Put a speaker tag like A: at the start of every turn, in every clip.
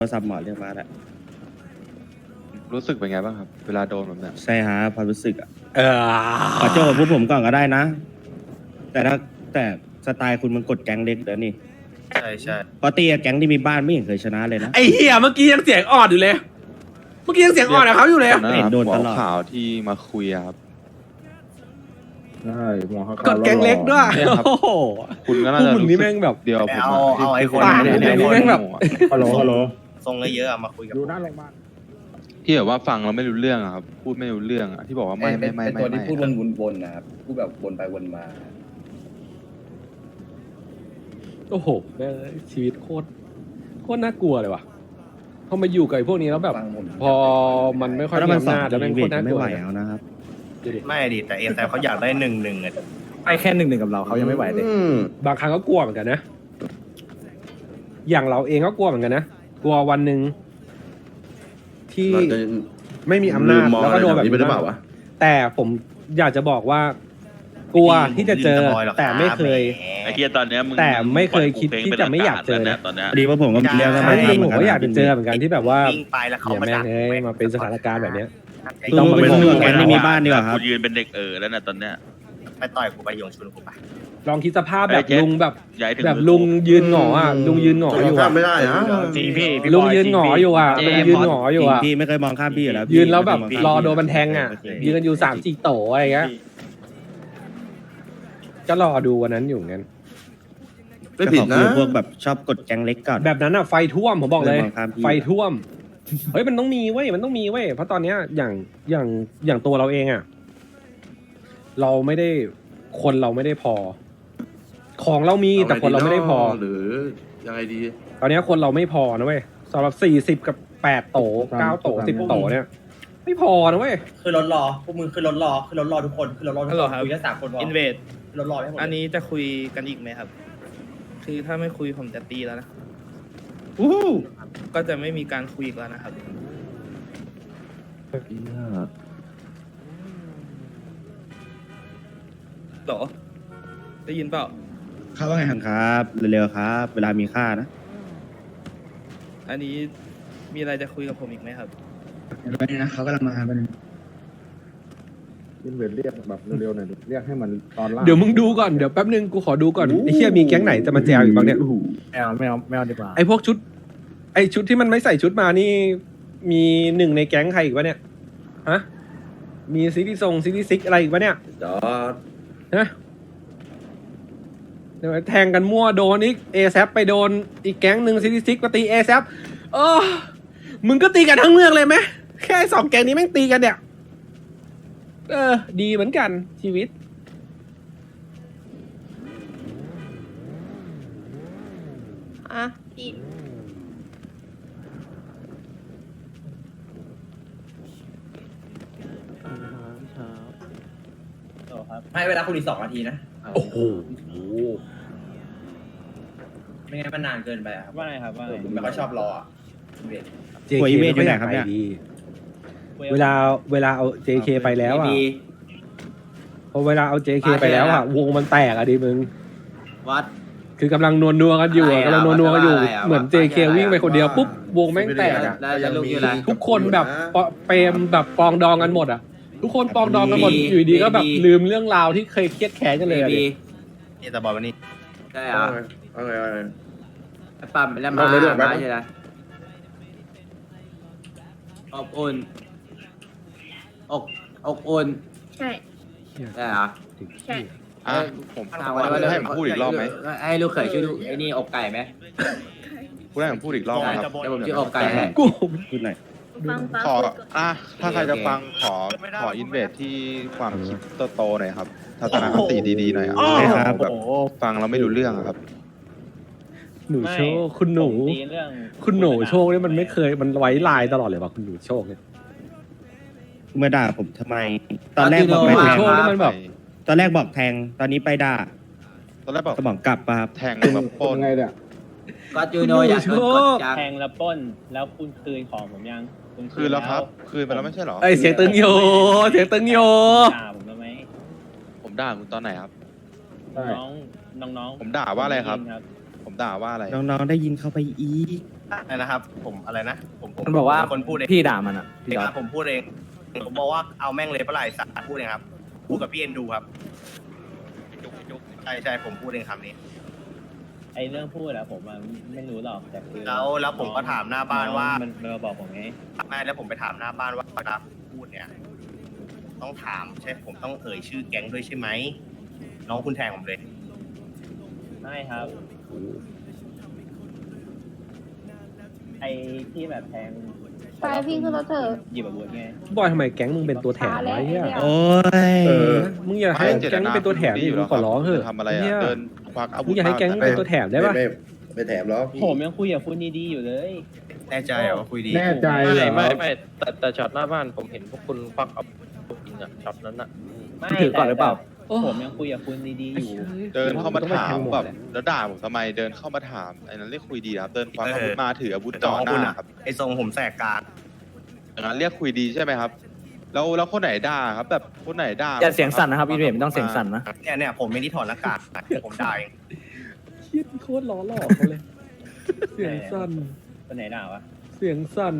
A: รศัพท์หมอเรียกมาแหละ
B: รู้สึกเป็นไงบ้างครับ เวลาโดนแบบเนี้ย
A: ใช่ฮะความรู้สึกอ่ะขอโจกับพวกผมก่อนก็ได้นะ แต่สไตล์คุณมันกดแก๊งเล็กเดี๋ยวนี่
C: ใช่ใช่
A: เพราะตีกับแก๊งที่มีบ้านไม่เห็นเคยชนะเลยนะ
D: ไอ้เหี้ยเมื่อกี้ยังเสียงอ่อนอยู่เลย เมื่อกี้ยังเสียงอ่อนกับเขาอยู่เลย
B: ตอนนั้นนะครับ
A: โดน
B: หัว
A: ตลอด
B: ข่าวที่มาคุยอะครับ
E: ใช่หัวเขา
D: กดแกงเล็กด้วย
B: เนี่ยครับ
D: โอ้โห
B: คุณก็
D: พ
B: น่าว
D: ก
B: จะ
D: มึง
B: รู้
D: นี่
B: สึก
D: แม่งแบบ
B: เดียวผม
C: เอาไอ้คน
D: ปาก
C: เนี่ย
D: นี่แม่งแบบ
E: ฮัลโหลฮัลโหล
C: ทรงเยอะๆอะมาคุยกับ
E: อยู่หน้าโรงพยาบาล
B: ที่แบบว่าฟังเราไม่รู้เรื่องอะครับ พูดไม่รู้เรื่องอะที่บอกว่าไม่
F: เป็นตัวที่พูดวนๆนะครับพูดแบบวนไปวนมา
D: โอ้โหแม่งชีวิตโคตรน่ากลัวเลยว่ะพอมาอยู่กับไอ้พวกนี้แล้วแบบ
F: ฟังผม
D: พอมันไม่ค่อย
A: ถ้า
D: มี
A: มันสอ
D: อำนาจ
A: ง
D: แล้วแม่งโคตรน่าก
A: ไม่
D: ลัว
A: ไหว
D: เลย
A: เอานะครับ
C: ไม่ดิแต่เอแต่เขาอยากได้1-1อะ
E: ไปแค่หนึ่งกับเราเขายังไม่ไหวเลย
D: บางครั้งก็กลัวเหมือนกันนะ อย่างเราเองก็กลัวเหมือนกันนะ กลัววันหนึ่งที่ไม่มีอำนาจแล้วก็โดนแบบนี้หรือเปล่าวะแต่ผมอยากจะบอกว่า กลัวที่จะเจอ แต่ไม่เคย
G: ไอ้เฮียตอนเนี้ยมึง
D: แต่ไม่เคยคิดที่จะไม่อยากเจอนะ
G: ตอนเนี้ย
A: ดีว่าผมก็มีเรื่อง
D: ครั้งหนึงผมก็อยากจะเจอเหมือนกันที่แบบว่า
C: วิ่งไปแล้วเขา
D: อย่า
C: มา
D: แม่
C: ดั
D: ง
C: ก
D: เอ้ยมาเป็นสถานการณ์แบบเนี้ย
A: ต้องมาเป็นเรื่องแก๊งที่มีบ้านดีกว่าครับ
G: กูยืนเป็นเด็กแล้วนะตอนเนี้ย
C: ไปต่อยกูไปโยงชุนกูไป
D: ลองคิดสภาพแบบ
G: ไอ้เจ๊
D: ลุงแบบ
G: ย้ายถึง
D: แบบลุงยืนหงออ่ะลุงยืนหงออยู่อ่ะ
F: ไม่ได้นะ
C: จริงพี่
D: ลุงยืนหงออยู่อ่ะลุงยืนหงออยู่อ่ะ
A: พี่ไม่เคยมองข้ามพี่อยู่แล้วพี่
D: ยืนแล้วแบบ
A: ไม่เคยมง
D: ร
A: ข้าม
D: อโดนมันแทงอ่ะ ยืนกันอยู่3-4 โตอะไรเงี้ยก็รอดูวันนั้นอยู่เหมือนกัน
A: ไม่ผิดนะพวกแบบชอบกดแก๊งเล็กก่อน
D: แบบนั้นอ่ะไฟท่วมผมบอกเลย
A: ไม่มองข้ามพี่
D: ไฟท่วมเฮ้ยมันต้องมีเว้ยมันต้องมีเว้ยเพราะตอนเนี้ยอย่างตัวเราเองอ่ะเราไม่ได้คนเราไม่ได้พอ ของเรามีแต่คนเราไม่ได้พอ
F: หรือยังไงดี
D: ตอนเนี้ยคนเราไม่พอนะเว้ยสำหรับ40 กับ 8 โต 9 โต 10 โตเนี่ยไม่พอนะเว้ย
H: คือรถรอพวกมึงคือรถรอคือรถรอทุกคนคือรถรอทุกคนคุยแค่3 คนพอ
I: อินเวด
H: คือรถรอให้หมด
I: อันนี้จะคุยกันอีกไหมครับ คือถ้าไม่คุยผมจะตีแล้วนะ ก็จะไม่มีการคุยอีกแล้วนะครับ ต่อ ได้ยินเปล่า
A: ครับว่าไงครับเร็วๆครับ เวลามีค่านะ
I: อันนี้มีอะไรจะคุยกับผมอีกไหมครับ
E: ยินเวทเรียกแบบเร็วๆหน่อยดิเรียกให้มันตอนล่าง
D: เดี๋ยวมึงดูก่อนเดี๋ยวแป๊บนึงกูขอดูก่อนไอ้เหี้ยมีแก๊งไหนจะมาแจวอีกบ้างเนี่ย
E: ไม่เอาดีกว่า
D: ไอ้พวกชุด ไอ้ชุดที่มันไม่ใส่ชุดมานี่ มีหนึ่งในแก๊งใครอีกวะเนี่ยฮะมีซิตี้ซิกอะไรอีกวะเนี่ย
F: จอด
D: ฮะเดี๋ยวแทงกันมั่วโดนอีกเอซไปโดนอีกแก๊งหนึ่งซิตี้ซิกมาตีเอซมึงก็ตีกันทั้งเมืองเลยไหมแค่2 แก๊งนี้แม่งตีกันเนี่ยดีเหมือนกันชีวิต
J: อ่ะพี่
H: ให้เวลาคุณอีก2 นาทีนะ
D: โอ้โห
H: ไม่งั้นมันนานเกินไปอะครับว่าไงครับว่าผมไม่ค่อยชอบรออ่ะเวท
A: หัวอีเมลอยู่ไหนครับเนี่ย
D: เวลาเอา JK ไปแล้วอ่ะพอเวลาเอา JK ไปแล้วอ่ะวงมันแตกอ่ะดิมึง
H: วัด
D: คือกำลังนัวกันอยู่อ่ะ
H: อะไรอ่ะ
D: กำลังนัวกันอยู่
H: อะไรอ่ะ
D: เหมือน JK วิ่งไปคนเดียวปุ๊บวงแม่งแตกอ่ะ
H: ได้ลูกอยู่แล้ว
D: ทุกคนแบบเปรมแบบปองดองกันหมดอ่ะ ทุกคนปองดองกันหมด
H: ดี
D: อยู่ดีก็แบบ
H: ดี
D: ลืมเรื่องราวที่เคยเครียดแค้นกันเลยอ่ะดิ
C: นี่แต่บอกวันนี้
H: ได้เหรอ
F: เอาไง
H: ปั๊มแล้วมาใช่ไหมอบอุ่นอกอุ่น
J: ใช่
H: ได้เหรอ
J: ใช่
B: อ่ะผมให้ผมพูดอีกรอบไหม
H: ให้ลูกเขยชื่อไอ้นี่อกไก่ไหม
B: พูดให้ผมพูดอีกรอบไหมครับ
H: เดี๋ยวผมชื่ออกไก่ให้
D: กู
A: พูดหน่อย
J: ฟัง
B: ขอ
J: พูดก่อน
B: ถ้าใครจะฟังขออินเวสที่ความคิดโตๆหน่อยครับทัศนคติดีๆหน่อยอ่ะ
A: ใช่ครับ
B: แบบฟังเราไม่รู้เรื่องอะครับ
D: หนูโชคคุณหนูคุณหนูโชคเนี่ยมันไม่เคยมันไว้ลายตลอดเลยว่ะคุณหนูโชคเนี่ย
A: มาด่าผมทำไม ตอนแรกบอกไม่
D: หนู
A: แทง
D: โชคนี่มันแบบ
A: ตอนแรกบอกแทง ตอนนี้ไปด่า
B: ตอนแรกบอก
A: สมองกลับปะครับ
B: แทงแบบปล้น
E: ยังไงเนี่ย
H: ก็จูโนอยากโดนกดจัง
I: แทงแล้วปล้น แล้วคุณคืนของผมยัง
B: คืนแล้วครับ คืนไปแล้วไม่ใช่เหรอ
D: ไอยเสียงตึงโยเสียงตึงโย
I: ด่าผมได้ไหม
B: ผมด่าคุณตอนไหนครับ
I: น้อง
B: ผมด่าว่าอะไรครับ ผมด่าว่าอะไร
A: น้องๆได้ยินเข้าไปอีก
C: อะไรนะครับ ผมอะไรนะผม
H: มันบอกว่า
C: เป็นคนพูดเอง
H: พี่ด่ามันอ่ะ
C: พี่ครับผมพูดเองผมบอกว่าเอาแม่งเลยปะไหล่สัตว์พูดเองครับพูดกับพี่เอ็นดูครับใช่ผมพูดเองคำนี้
K: ไอเรื่องพูดอะผมไม่รู้หรอกแต่คือ
C: แล้วผมก็ถามหน้าบ้านว่า
K: มันมาบอกผมไง
C: ไม่แล้วผมไปถามหน้าบ้านว่าเวลาพูดเนี่ย ต้องถามใช่ผมต้องเอ่ยชื่อแก๊งด้วยใช่ไหมน้องคุณแทงผมเลย
K: ไม่ครับ ไอที่แบบแทง
J: ไปพี่ขึ้นรถเถอะ
K: หยิบอาวุธไง
D: บอยทำไมแก๊งมึงเป็นตัวแถมวะไอ้เหี้ย
A: โอ้ย
D: มึงอย่าให้แก๊งมึงเป็นตัวแถมดิมึงขอร้องเถอะ
B: ทำอะไร
D: เหี้ย
B: อ่ะเดินควักอาวุ
D: มึ
B: ธ
D: งอย่าให้แก๊งมึงเป็นตัวแถมได้ปะ
F: ไม่แถมแล้ว
K: ผมยังคุยกับคุณดีๆอยู่เลย
C: แน่ใจเหรอว่าคุยดี
E: แน่ใจเหรอ
K: แต่ช็อตหน้าบ้านผมเห็นพวกคุณควักเอาจริงอะช็อตนั้นอะไม่
H: ถือก่อนหรือเปล่า
K: ผมยังคุยกับคุณดีๆอยู่
B: เดินเข้ามาถาม
D: ต้องไปแทงหมด
B: แบบ
D: เลย
B: แล้วด่าผมทำไมเดินเข้ามาถามไอ้นั้นเรียกคุยดีครับเดินควักอาวุธมาถืออาวุธจ่อหน้าครับ
C: ไอทรงผมแสกกลาง
B: อย่างนั้นเรียกคุยดีใช่ไหมครับ แล้วคนไหนด่าครับ แบบคนไหนด่า
H: อย่าเสียงสั่นนะครับพี่เดชไม่ต้องเสียงสั่นนะ
C: เนี่ยผมไม่ได้ถอดหน้ากากผมได้
D: เหี้ยโคตรล้อหลอกเขาเลย เสียงสั่น
K: คนไหนด่าวะ
D: เสียงสั่น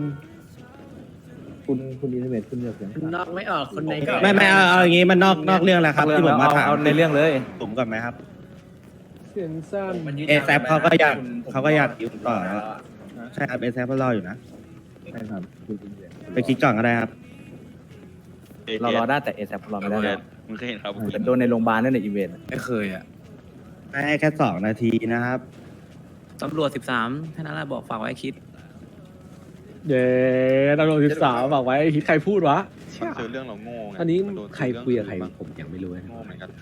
E: คุณอินเวสคุณอย่าเสียงสั่น
H: นอกไม่ออกคนใน
A: ไม่เอาอย่างงี้มันนอกเรื่องแล้วครับที่ผมมาถาม
H: เอาในเรื่องเลย
A: ผมก่อนไหมครับ
D: เสียงสั่น
A: เอแซเขาก็อยากอยู่ต่อแล้วใช่ครับเอแซก็รออยู่นะ
E: ใช่ครับคุณอินเวส
A: ไปคิดก่อนก็ได้ครับ
H: เรารอได้แต่เอซรอไม่ได้
G: มึงเคยเห็นเขา
H: แต่โดนในโรงพยาบาลนั่นในอีเวนต์
F: ไม่เคยอ่ะ
A: ให้แค่2 นาทีนะครับ
H: ตำรวจ13แค่นั้นแหละบอกฝากไว้คิด
D: เย้ตำรวจ13บอกไว้คิดใครพูดวะ
B: มันเจอเรื่องเราโง่ไง
D: อันนี้
B: มัโด
D: ใครคุยกับใคร
B: เรื่อง
D: ผมยังไม่รู้เลย
B: โง่เหมือนกัน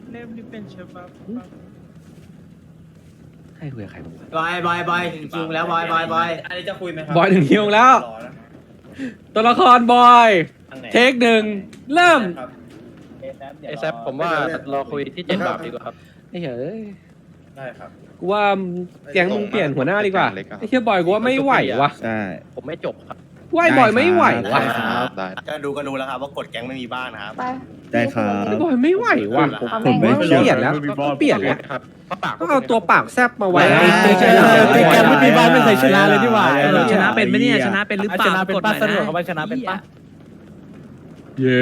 D: ใครคุยกับใครผมวะ
H: บอยถึงคิวแล้วบอยอันนี้จะคุยไหมครับ
D: บอยถึงคิวแล้ว ตัวละครบอย เทคหนึ่งเริ่ม
K: เอแซผมว่ารอคุยที่7 บาทดีกว่าครับ
D: ไอ้เฮ้ย
K: ได้ครับ
D: กูว่าแก๊งมึงเปลี่ยนหัวหน้าดีกว่าไอ้เฮียบอยกูว่าไม่ไหววะ
A: ใช่
K: ผมไม่จบครับ
D: ไหวบอยไม่ไหววะ
A: ได้ครับ
B: ได้
C: ก็ดูแล้วครับว่ากดแก๊งไม่มีบ้านนะครับ
J: ไป
A: ได้ครับ
D: ไอ้บอยไม่ไหววะ
J: เอา
D: ผม
J: แม่
D: ไม่
J: ง
D: เปลี่ยนแล้วต้องเปลี่ยนแล้ว
K: ครับปาก
D: ต้องเอาตัวปากแซบมาไว้
H: แกไม่มีบ้านไม่เคยชนะเลยนี่หว่า
A: ชนะเป็นไหมเนี่ยชนะ
H: เป็นหรือเปล่าชนะเป็นป้าสนุกเขาว่าชนะเป็นป้า
D: เย้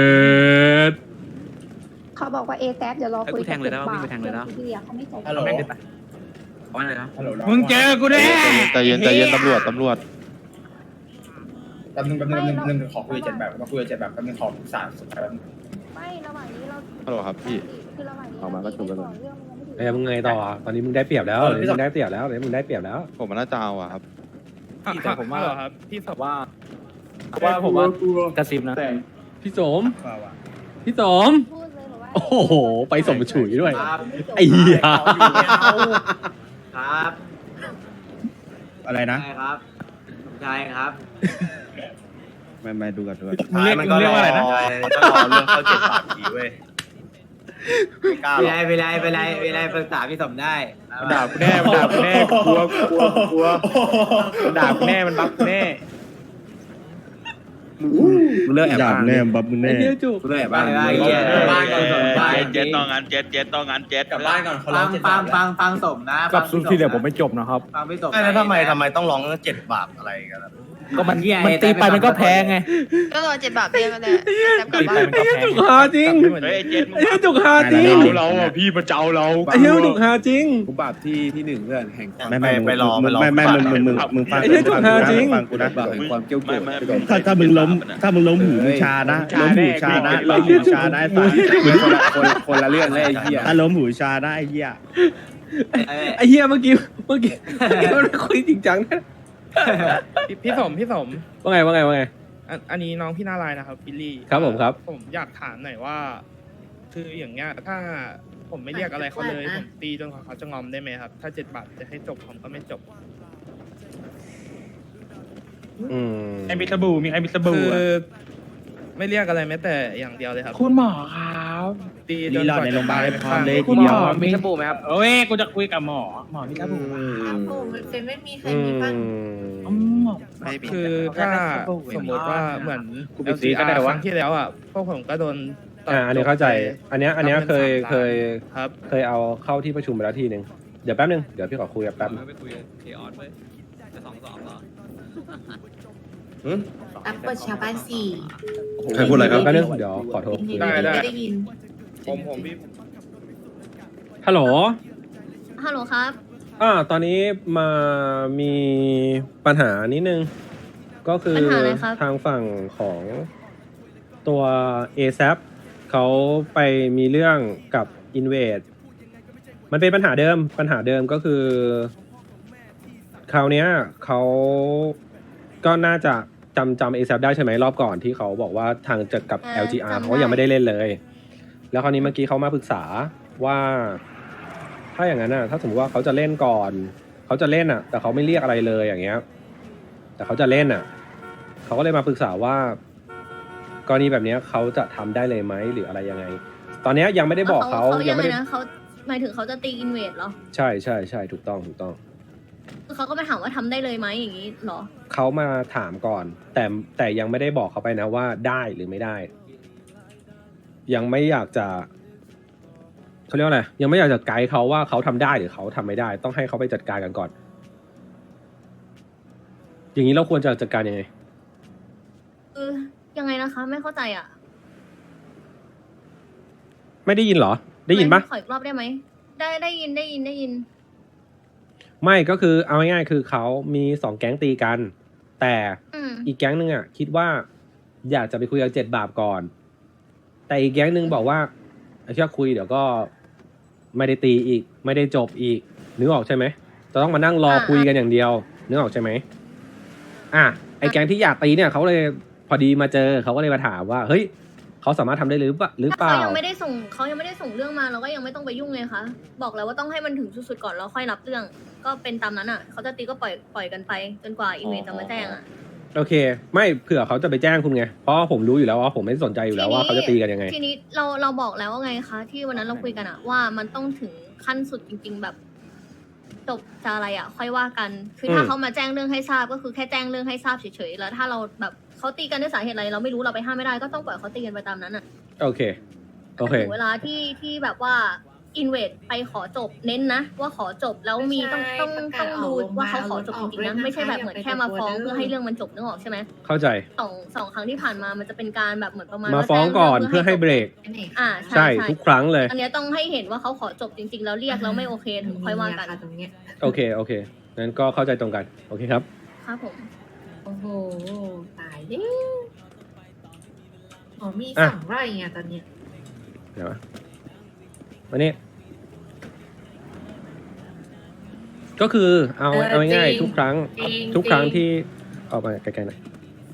J: เขาบอกว่าเอแซเดี๋ยวรอคุย
H: ให้กูแทงเลยนะวิ่งไปแทงเลยนะ
J: ที่เหลือเขาไม่ใจ
K: ฮัลโหล
H: ว่าอะไรนะ
K: มึงเจอกูแน่
B: ใจเย็นตำรวจ
K: แป๊บนึงขอคุย7 แบบมาคุย7 แบบแป๊บนึงขอปรึกษาสุดท้ายแป๊บนึง
J: ไม่ระหว่างนี้เรา
B: ฮัลโหลครับพี่
J: คือระหว่างนี้
E: เอามาก็จบแล้ว
J: เรื่องมันยังไม่ถึง
D: มึงไงต่อตอนนี้มึงได้เปรียบแล้วมึงได้เปรียบแล้วมึงได้เปรียบแล้ว
B: ผมมันน่าจะเอาอะครับ
H: พี่แต่ผมว่าครับพี่สอบว่าผมว่ากระซิบนะ
D: พี่สมพี่สม
J: พูดเลยบอกว่า
D: โอ้โหไปสมฉุยด้วยไอ้เหี้ย
H: ครับ
A: อะไรนะ
H: ใช่ครับใช่ครับ
A: ไม่ดูกัน
C: ท้ายมันก็รอเรื่องเข้า7 บาททีเว้ยไม่กล้าหรอก
H: เวลาปรึกษาพี่สมได้
K: ด่ากูแน่มันด่ากูแน่กลัวมันด่ากูแน่มันบัฟกูแน่
H: มึงเลิกแอบ
A: อยาก
H: บ้าง
A: แน่บับมึง
D: ไอ้
A: แน่
D: เหี้ยจุก
H: มึงเลิกแอบบ้างบ้านก่อนสมบ้าน
G: เจ็ดต่องานเจ็ดต่องานเจ็ด
K: กลับบ้านก่อนเขาร้
H: ฟั
K: อง 7 บาท
H: ฟังสมนะกับซุปที่เหลือผมไม่จบนะครับฟังพี่สม
C: แล้วทำไมต้องร้อง7 บาทอะไรกันล่ะ
H: ก็มันตีไปมันก็แพ้ไง
J: ก็รอ7 บาทเรียกกันเลยแซกลับบ้าน
D: ไอ้เหี้ยจุกฮาจริง
G: เฮ้ยเจ็ดมึง
D: ไอ้เหี้ยจุกฮาจริง
K: เราอ่ะพี่มาเจ้าเรา
D: ไอ้เหี้ยจุกฮาจริง
F: กูบาปที่1เพื่อนแห่ง
C: ไปรอ
A: ไม่มึงฟัง
D: ไอ้เหี้ยจุกฮาจริง
A: ฟังกูนะ
F: บาปแห่งความเกี้ยวโกรธ
A: ถ้ามึงล้มหูมึงชานะล้มหูชานะล้มหูชาได้สัส
F: คนละเรื่องเลยไอ้เหี้ย
A: ถ้าล้มหูชาได้ไอ้เหี้ย
D: ไอ้เหี้ยเมื่อกี้มันคุยจริงจังนะ
I: พี่สม
D: ว่าไง
I: อันนี้น้องพี่น่ารายนะครับบิลลี่
D: ครับผมครับ
I: ผมอยากถามหน่อยว่า คืออย่างเงี้ยถ้าผมไม่เรียกอะไรเขาเลยผมตีจนกว่าเขาจะงอมได้ไหมครับ ถ้า7 บาทจะให้จบผมก็ไม่จบ
K: ไอ้มิสบูมีไอ้มิสบู
I: คือไม่เรียกอะไรแม้แต่อย่างเดียวเลยครับ
K: คุณหมอครับ
I: ตีจ
A: รี
I: น
A: รอก ด
I: ว่า
A: ใน
I: จะ
A: โรงพยาบาล
I: ตาย
A: ให้
I: ไป
A: พร้อม
I: ข้าง
A: เลย
K: คุ
A: ที
K: ณห
A: เดี
K: ม
A: ยว
K: อมีสบู่ไหมครับเอ้ยกูจะคุยกับหมอมิสบู
J: มันเป็นไม่มีใครมีบ้าง
I: คือถ้าสมมติว่าเหมือน
K: ก็ได้
I: ค
K: วะ
I: รั้งที่แล้วอ่ะพวกผมก็โดนตัด
D: อันนี้เข้าใจ อันเนี้ยเคย
I: ครับ
D: เอาเข้าที่ประชุมไปแล้วทีนึงเดี๋ยวแป๊บนึงเดี๋ยวพี่ขอคุยกับแป๊บนึง
H: ไปคุยเคออสเว้ย
J: แอปเปิลชาวบ้านสี่
K: ใครพูดอะไรครับ
D: ก็เรื่องเดี๋ยวขอโทษ
I: ได้
J: ไม่ได้ยิน
I: ผมพี่
D: ฮัลโหล
J: ฮัลโหลครับ
D: ตอนนี้มามีปัญหานิดนึง ก็คือ
J: ปัญหาอะไรครับ
D: ทางฝั่งของตัว ASAP เขาไปมีเรื่องกับ Invade มันเป็นปัญหาเดิมก็คือ คราวเนี้ยเขาก็น่าจะจำ ASAP ได้ใช่ไหมรอบก่อนที่เขาบอกว่าทางจะกับ LGR เขายังไม่ได้เล่นเลย แล้วคราวนี้เมื่อกี้เขามาปรึกษาว่า ถ้าอย่างนั้นถ้าสมมติว่าเขาจะเล่นก่อนเขาจะเล่นแต่เขาไม่เรียกอะไรเลยอย่างเงี้ย แต่เขาจะเล่นเขาก็เลยมาปรึกษาว่ากรณีแบบนี้เขาจะทำได้เลยไหมหรืออะไรยังไง ตอนนี้ยังไม่ได้บอกเขายังไม่ได้
J: นะเขาหมายถึงเขาจะตีอินเวดเหรอ
D: ใช่ถูกต้อง
J: เขาก็มาถามว่าทำได้เลยไหมอย่างนี้เหรอ
D: เขามาถามก่อน แต่ยังไม่ได้บอกเขาไปนะว่าได้หรือไม่ได้ ยังไม่อยากจะเขาเรียกว่าอะไรยังไม่อยากจะไกด์เขาว่าเขาทำได้หรือเขาทำไม่ได้ ต้องให้เขาไปจัดการกันก่อน อย่างนี้เราควรจะจัดการยังไง
J: ยังไงนะคะ ไม่เข้าใจอ่ะ
D: ไม่ได้ยินเหรอ ได้ยินปะ
J: ขออีกรอบได้ไหมได้ยิน
D: ไม่ก็คือเอาง่ายๆคือเขามี2 แก๊งตีกัน แต่อีกแก๊งหนึ่งคิดว่าอยากจะไปคุยกับ7 บาปก่อน แต่อีกแก๊งหนึ่งบอกว่าแค่คุยเดี๋ยวก็ไม่ได้ตีอีกไม่ได้จบอีกนึกออกใช่ไหมจะต้องมานั่งรอคุยกันอย่างเดียวนึกออกใช่ไหมไอ้แก๊งที่อยากตีเนี่ยเขาเลยพอดีมาเจอเขาก็เลยมาถามว่าเฮ้ยเขาสามารถทำได้หรือเปล่า
J: เขายังไม่ได้ส่งเรื่องมาเราก็ยังไม่ต้องไปยุ่งเลยค่ะบอกแล้วว่าต้องให้มันถึงสุดๆก่อนแล้วค่อยรับเรื่องก็เป็นตามนั้นเขาจะตีก็ปล่อยกันไปจนกว่าอีเมลจะมาแจ้ง
D: โอเคไม่เผื่อเขาจะไปแจ้งคุณไงเพราะผมรู้อยู่แล้วว่าผมไม่สนใจอยู่แล้วว่าเขาจะตีกันยังไง
J: ทีนี้เราบอกแล้วว่าไงคะที่วันนั้นเราคุยกันว่ามันต้องถึงขั้นสุดจริงๆแบบจบจะอะไรค่อยว่ากันคือถ้าเขามาแจ้งเรื่องให้ทราบก็คือแค่แจ้งเรื่องให้ทราบเฉยๆแล้วถ้าเราแบบเขาตีกันด้วยสาเหตุอะไรเราไม่รู้เราไปห้ามไม่ได้ก็ต้องปล่อยเขาตีกันไปตามนั้น
D: โอเค
J: ถึงเวลาที่แบบว่าอินเวดไปขอจบเน้นนะว่าขอจบแล้วมีต้องดูว่าเขาขอจบจริงๆนะไม่ใช่แบบเหมือนแค่มาฟ้องเพื่อให้เรื่องมันจบนึกออกใช่ไหม
D: เข้าใจ
J: สองครั้งที่ผ่านมามันจะเป็นการแบบเหมือนประมาณ
D: มาฟ้องก่อนเพื่อให้เบรกใช่ทุกครั้งเลย
J: อันนี้ต้องให้เห็นว่าเขาขอจบจริงๆแล้วเรียกแล้วไม่โอเคถึงค่อยว่ากัน
D: โอเคงั้นก็เข้าใจตรงกันโอเคครับ
J: ครับผมโอ้โหตายดิมี2 ไร่ไงตอนนี้
D: เดี๋ยววันนี้ก็คือเอาง่ายๆทุกครั้งที่ออกมาไกลๆหน่อย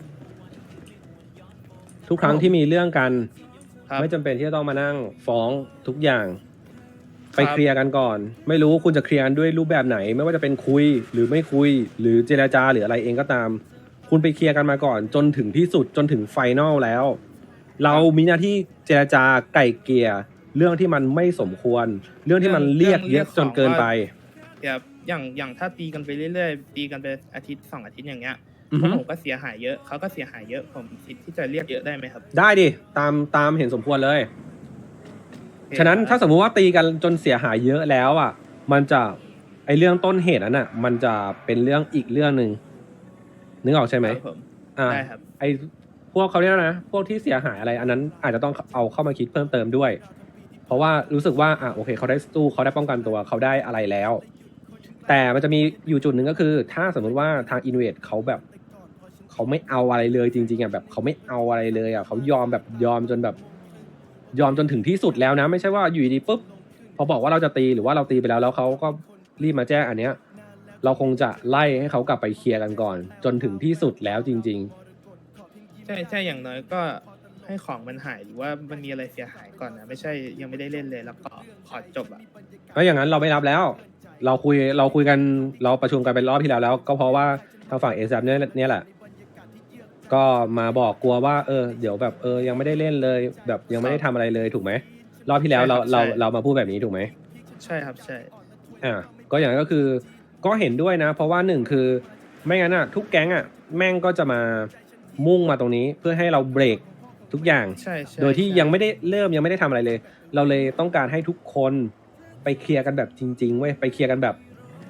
D: ทุกครั้งที่มีเรื่องกันไม่จำเป็นที่จะต้องมานั่งฟ้องทุกอย่างไปเคลียร์กันก่อนไม่รู้คุณจะเคลียร์ด้วยรูปแบบไหนไม่ว่าจะเป็นคุยหรือไม่คุยหรือเจรจาหรืออะไรเองก็ตามคุณไปเคลียร์กันมาก่อนจนถึงที่สุดจนถึงไฟนอลแล้วเรามีหน้าที่เจรจาไก่เกลี่ยเรื่องที่มันไม่สมควรเรื่องที่มันเรียกเยอะจนเกินไป
I: อย่างถ้าตีกันไปเรื่อยๆตีกันไปอาทิตย์2 อาทิตย์อย่างเงี้ยผมก็เสียหายเยอะเขาก็เสียหายเยอะผมคิดที่จะเรียกเยอะได้ไหมครับ
D: ได้ดิตามเห็นสมควรเลยฉะนั้นถ้าสมมุติว่าตีกันจนเสียหายเยอะแล้วมันจะไอเรื่องต้นเหตุนั้นมันจะเป็นเรื่องอีกเรื่องนึงนึกออกใช่ไหม
I: ได้ครับ
D: ไอพวกเขาเรียกนะพวกที่เสียหายอะไรอันนั้นอาจจะต้องเอาเข้ามาคิดเพิ่มเติมด้วยเพราะว่ารู้สึกว่าโอเคเขาได้สู้เขาได้ป้องกันตัวเขาได้อะไรแล้วแต่มันจะมีอยู่จุดหนึ่งก็คือถ้าสมมุติว่าทางอินเวดเขาแบบเขาไม่เอาอะไรเลยจริงๆแบบเขาไม่เอาอะไรเลยเขายอมจนแบบยอมจนถึงที่สุดแล้วนะไม่ใช่ว่าอยู่ดีปุ๊บพอบอกว่าเราจะตีหรือว่าเราตีไปแล้วเขาก็รีบมาแจ้งอันเนี้ยเราคงจะไล่ให้เขากลับไปเคลียร์กันก่อนจนถึงที่สุดแล้วจริง
I: ๆใช่อย่างน้อยก็ให้ของมันหายหรือว่ามันมีอะไรเสียหายก่อนนะไม่ใช่ยังไม่ได้เล่นเลยแล้วก็ขอจบ
D: เพราะอย่างนั้นเราไม่รับแล้วเราคุยกันเราประชุมกันเป็นรอบที่แล้วก็เพราะว่าทางฝั่ง ASAP เนี่ยแหละก็มาบอกกลัวว่าเดี๋ยวแบบยังไม่ได้เล่นเลยแบบยังไม่ได้ทำอะไรเลยถูกไหมรอบที่แล้วเรามาพูดแบบนี้ถูกไหม
I: ใช่ครับใช่
D: ก็อย่างนั้นก็คือก็เห็นด้วยนะเพราะว่า1คือไม่งั้นทุกแก๊งแม่งก็จะมามุ่งมาตรงนี้เพื่อให้เราเบรกทุกอย่างโดยที่ยังไม่ได้เริ่มยังไม่ได้ทำอะไรเลยเราเลยต้องการให้ทุกคนไปเคลียร์กันแบบจริงๆเว้ยไปเคลียร์กันแบบ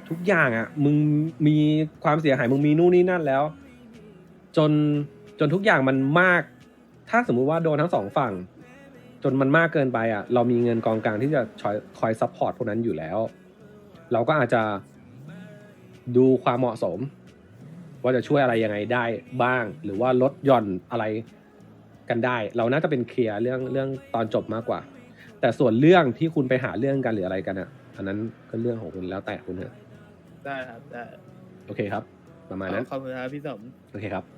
D: ทุกอย่างอ่ะมึงมีความเสียหายมึงมีนู่นนี่นั่นแล้ว จนทุกอย่างมันมาก ถ้าสมมุติว่าโดนทั้งสองฝั่ง จนมันมากเกินไปอ่ะเรามีเงินกองกลางที่จะคอยซัพพอร์ตพวกนั้นอยู่แล้ว เราก็อาจจะดูความเหมาะสม ว่าจะช่วยอะไรยังไงได้บ้าง หรือว่าลดหย่อนอะไรกันได้ เราน่าจะเป็นเคลียร์เรื่องตอนจบมากกว่า แต่ส่วนเรื่องที่คุณไปหาเรื่องกันหรืออะไรกันอ่ะอันนั้นก็เรื่องของคุณแล้วแต่คุณเถอะ
I: ได้ครับได้
D: โอเคครับ ประมาณนั้น
I: ขอบคุณครับพี่สม
D: โอเคครับ